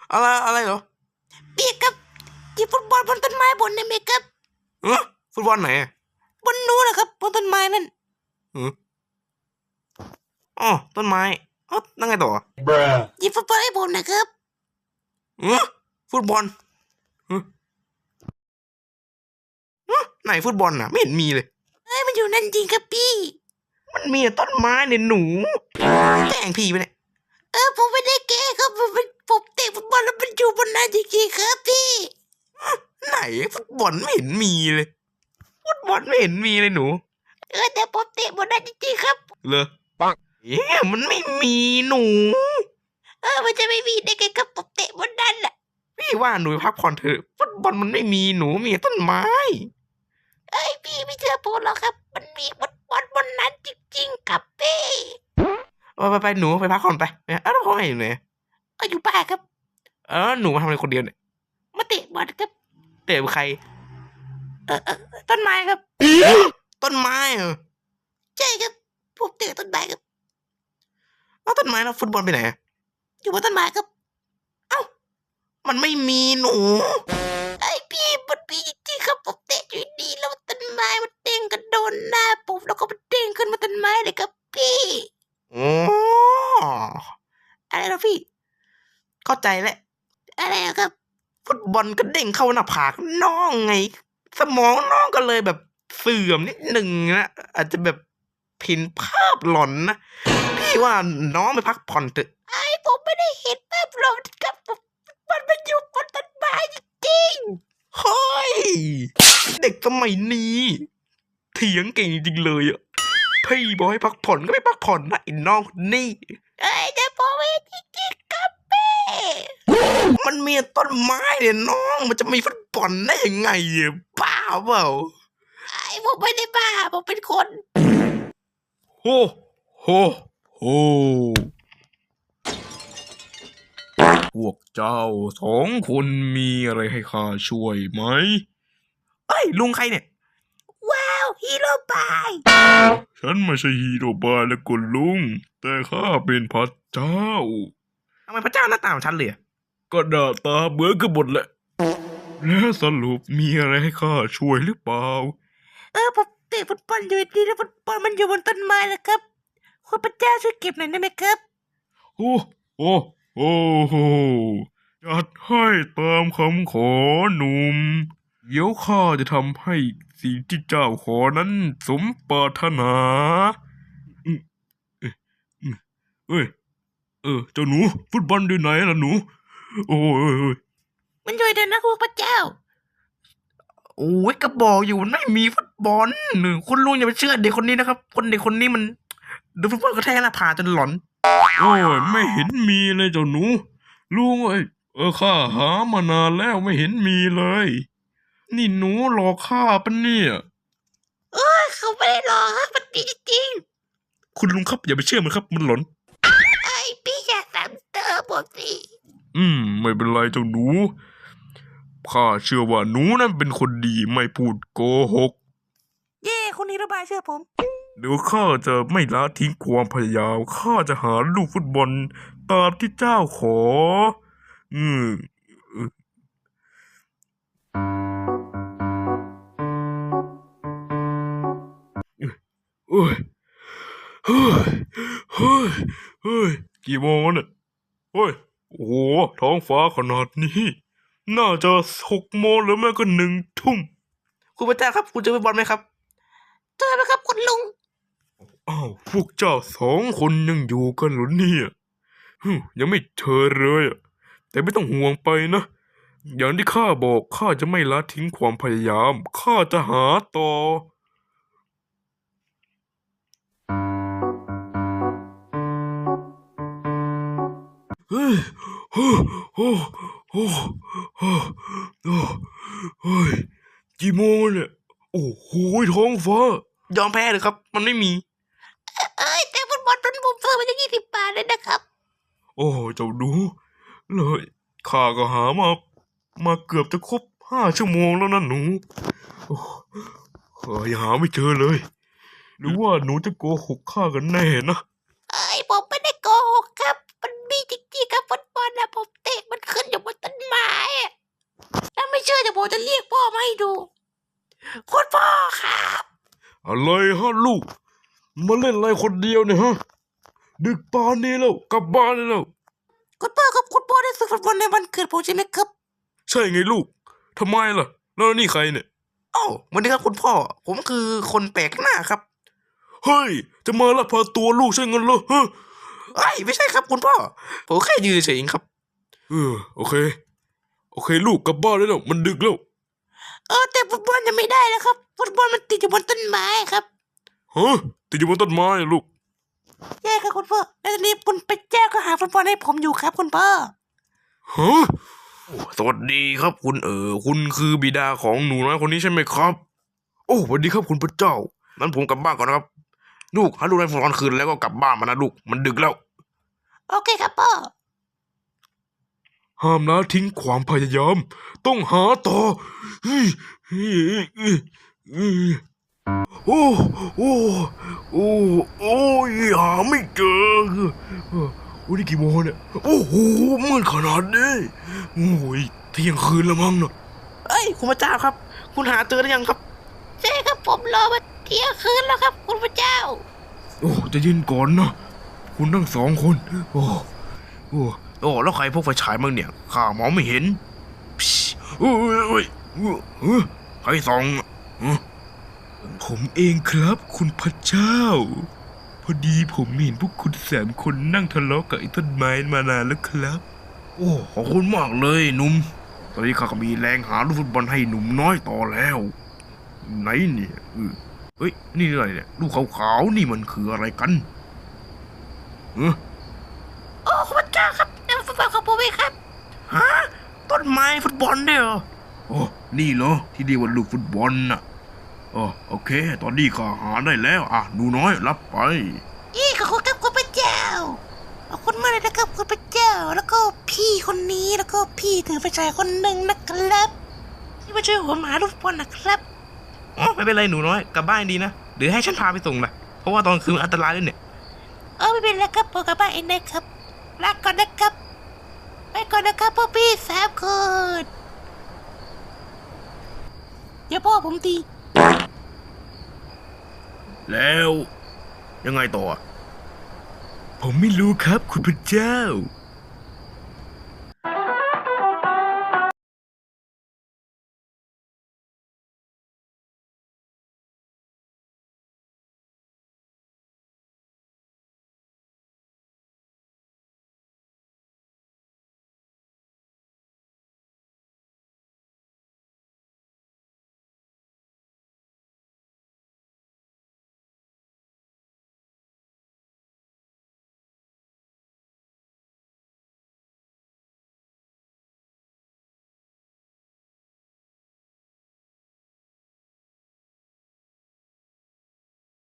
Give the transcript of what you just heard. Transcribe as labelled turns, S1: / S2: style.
S1: อะไรเหรอ
S2: เปียกครับที่ฟุตบอลบนต้นไม้บนได้ไหมครับ
S1: ฟุตบอลไหน
S2: บนนู้นนะครับบนต้นไม้นั่น
S1: อ๋อต้นไม้นั่งไงต่อ
S2: ยิงฟุตบอลให้ผมนะครับ
S1: ฟุตบอลไหนฟุตบอลน่ะไม่เห็นมีเลย
S2: มันอยู่นั่นจริงครับพี่
S1: มันมีแต่ต้นไม้เนี่ยหนูแกล้งพี่ไปเนี่ย
S2: ผมไม่ได้แก้ครับผมเตะฟุตบอลแล้วมันอยู่บนนั้นจริงๆครับพี่
S1: ไหนฟุตบอลไม่เห็นมีเลยฟุตบอลไม่เห็นมีเลยหนู
S2: แต่ผมเตะบนนั้นจริงๆครับ
S1: เลยปังมันไม่มีหนู
S2: มันจะไม่มีได้ไงครับผมเตะบนนั้นแหละ
S1: พี่ว่าหนูพักผ่อนเถอะฟุตบอลมันไม่มีหนูมีต้นไม้
S2: พี่ไม่เชื่อผมหรอกครับมันมีฟุตบอลบนนั้นจริงๆครับพี่
S1: ไปหนูไปพักผ่อนไปแล้วพ่อแม่อยู่ไหน
S2: อยู่บ้านครับ
S1: หนูมาทำอะไรคนเดียวเนี่ย
S2: มาเตะบอลครับ
S1: เตะใคร
S2: ต้นไม้ครับ
S1: ต้นไม้
S2: ใช่ครับผมเตะต้นไม้ครับ
S1: แล้วต้นไม้แล้วฟุตบอลไปไหน
S2: อยู่บนต้นไม้ครับ
S1: มันไม่มีหนู
S2: พี่มันมีจริงๆครับผมเตะอยู่ดีแล้วต้นไม้มันเด้งกระโดนหน้าผมแล้วก็มันเด้งขึ้นมาต้นไม้เลยครับพี่อะไรนะพี่
S1: เข้าใจแล้ว
S2: อะไรครับ
S1: ฟุตบอลก็เด้งเข้าหน้าผากน้องไงสมองน้องก็เลยแบบเสื่อมนิดหนึ่งนะอาจจะแบบผินภาพหลอนนะพี่ว่าน้องไปพักผ่อนเถอะ
S2: ผมไม่ได้เห็นภาพหลอนครับมันอยู่บนต้นไม้จริง
S1: ๆเฮ้ยเด็กสมัยนี้เถียงเก่งจริงเลยอ่ะพี่บอกให้พักผ่อนก็ไม่พักผ่อนนะไอ้น้องนี่
S2: แต่ผมไม่จริงๆครับพี่
S1: มันมีต้นไม้เนี่ยน้องมันจะมีฟุตบอลได้ยังไงอ่ะบ้าเปล่า
S2: ผมไม่ได้บ้าผมเป็นคน
S1: โฮโฮโฮพวกเจ้าสองคนมีอะไรให้ข้าช่วยไหมลุงใครเนี่ย
S2: ว้าวฮีโร่บาย
S1: ฉันไม่ใช่ฮีโร่บายและกุลลุงแต่ข้าเป็นพระเจ้าทำไมพระเจ้าหน้าตาของฉันเลยก็หน้าตาเหมือนกันหมดแหละแล้วสรุปมีอะไรให้ข้าช่วยหรือเปล่า
S2: ผมเตะฟุตบอลอยู่ดีแล้วฟุตบอลมันอยู่บนต้นไม้แล้วครับคุณพระเจ้าช่วยเก็บหน่อยได้ไหมครับ
S1: โอ้โอ้โอ้โหจัดให้ตามคำขอหนุ่มเดี๋ยวข้าจะทำให้สิ่งที่เจ้าขอนั้นสมปรารถนาเจ้าหนูฟุตบอลอยู่ไหนล่ะหนูโอ้ย
S2: มันอยู่เดินนะคุณพระเจ้า
S1: โอ้ยก็บอกอยู่ไม่มีฟุตบอลคุณลุงอย่าไปเชื่อเด็กคนนี้นะครับเด็กคนนี้มันดูฟุตบอลก็แท้หน้าผาจนหลอนโอ้ยไม่เห็นมีเลยเจ้าหนูลุงข้าหามานานแล้วไม่เห็นมีเลยนี่หนูหลอกข้าปะเนี่ย
S2: เขาไม่ได้หรอกครับมันดีจริง
S1: คุณลุงครับอย่าไปเชื่อมันครับมันหลอน
S2: พี่อย่าซ้ำเติมผมสิ
S1: ไม่เป็นไรเจ้าหนูข้าเชื่อว่าหนูนั้นเป็นคนดีไม่พูดโกหก
S2: คุณฮีโร่บายเชื่อผม
S1: เดี๋ยวข้าจะไม่ละทิ้งความพยายามข้าจะหาลูกฟุตบอลตามที่เจ้าขออืมโอ้ยเฮ้ยเฮ้ยเฮ้ยกี่โมงแล้วเนี่ยเฮ้ยโอ้โหท้องฟ้าขนาดนี้น่าจะ6 โมงหรือไม่ก็1 ทุ่มคุณพระเจ้าครับคุณจะไปบอลไหมครับ
S2: เจอไหมครับคุณลุง
S1: พวกเจ้า2 คนยังอยู่กันเหรอเนี่ยยังไม่เจอเลยแต่ไม่ต้องห่วงไปนะอย่างที่ข้าบอกข้าจะไม่ละทิ้งความพยายามข้าจะหาต่อเฮ้ยโอ้โอ้โอ้โอ้โอ้ยกี่โมงเนี่ยโอ้โหท้องฟ้ายอมแพ้เลยครับมันไม่มี
S2: แต่ฟุตบอลผมซื้อมาจะ20 บาทเลยนะครับ
S1: โอ้เจ้าดูเลยข้าก็หามาเกือบจะครบ5 ชั่วโมงแล้วนะหนูยังหาไม่เจอเลยหรือว่าหนูจะโกหกข้ากันแน่นะ
S2: ผมไม่ได้โกหกครับมันมีจริงๆครับฟุตบอลนะผมเตะมันขึ้นอยู่ผมจะเรียกพ่อมาให้ดูคุณพ่อครับ
S1: อะไรฮะลูกมาเล่นอะไรคนเดียวเนี่ยฮะดึกป่านนี้แล้วกลับบ้านได้แล้ว
S2: คุณพ่อครับคุณพ่อได้ซื้อฟุตบอลในวันเกิดผมใช่ไหมครับ
S1: ใช่ไงลูกทำไมล่ะแล้วนี่ใครเนี่ย
S2: อ้าววันนี้ครับคุณพ่อผมคือคนแปลกหน้าครับ
S1: เฮ้ยจะมาลักพาตัวลูกใช่เงินเหรอฮะ
S2: ไอ้ยไม่ใช่ครับคุณพ่อผมแค่ยืนเฉยๆเองครับ
S1: โอเคลูกกลับบ้านได้แล้วมันดึกแล้ว
S2: แต่ฟุตบอลยังไม่ได้แล้วครับฟุตบอลมันติดอยู่บนต้นไม้ครับ
S1: ฮะติดอยู่บนต้นไม้อะลูก
S2: ใช่ครับคุณพ่อแล้วตอนนี้คุณพระเจ้าก็หาฟุตบอลให้ผมอยู่ครับคุณพ่อ
S1: ฮะสวัสดีครับคุณคุณคือบิดาของหนูน้อยคนนี้ใช่ไหมครับ โอ้สวัสดีครับคุณพระเจ้านั้นผมกลับบ้านก่อนนะครับ ลูกหาลูกในตอนคืนแล้วก็กลับบ้านมานะลูกมันดึกแล้ว
S2: โอเคครับพ่อ
S1: ห้ามละทิ้งความพยายาม ต้องหาต่อเฮ้ยเฮ้ยเฮ้ยเฮ้ยโอ้โอ้โอ้โอ้ยหาไม่เจอโอ้นี่กี่โมงเนี่ยโอ้โหมืดขนาดนี้โอ้ยเที่ยงคืนแล้วมั้งเนาะ
S2: เอ้ยคุณพระเจ้าครับ คุณหาเจอหรือยังครับใช่ครับผมรอมาเที่ยงคืนแล้วครับคุณพระเจ้า
S1: โอ้จะยินก่อนนะคุณทั้งสองคนโอ้แล้วใครพกไฟฉายมั่งเนี่ยข้ามองไม่เห็นโอ้ยใครส่องผมเองครับคุณพระเจ้า พอดีผมเห็นพวกคุณ3 คนนั่งทะเลาะกับไอ้ต้นไม้มานานแล้วครับ โอ้ขอบคุณมากเลยหนุ่มตอนนี้ข้าก็มีแรงหาลูกฟุตบอลให้หนุ่มน้อยต่อแล้วไหนเนี่ยเฮ้ยนี่อะไรเนี่ยลูกขาวๆนี่มันคืออะไรกัน
S2: โอ้คุณพระเจ้าครับนี่มันฟุตบอลของผมเองครับฮะต้นไม้ฟุตบอลเนี่ยเหรอ
S1: โอ้นี่เหรอที่เรียกว่าลูกฟุตบอลน่ะโอเค ตอนนี้ข้าหาได้แล้วหนูน้อยรับไป
S2: ขอบคุณครับคุณพระเจ้าขอบคุณมากเลยนะครับคุณพระเจ้าแล้วก็พี่คนนี้แล้วก็พี่ถือไฟฉายคนหนึ่งนะครับที่มาช่วยผมหาลูกฟุตบอลนะครับ
S1: ไม่เป็นไรหนูน้อยกลับบ้านดีนะหรือให้ฉันพาไปส่งล่ะเพราะว่าตอนคืนมันอันตรายด้วยเนี่ย
S2: ไม่เป็นไรครับผมกลับบ้านเองนะครับลาก่อนนะครับไปก่อนนะครับพ่อพี่3 คนอย่าพ่อผมตี
S1: แล้วยังไงต่อผมไม่รู้ครับคุณพระเจ้า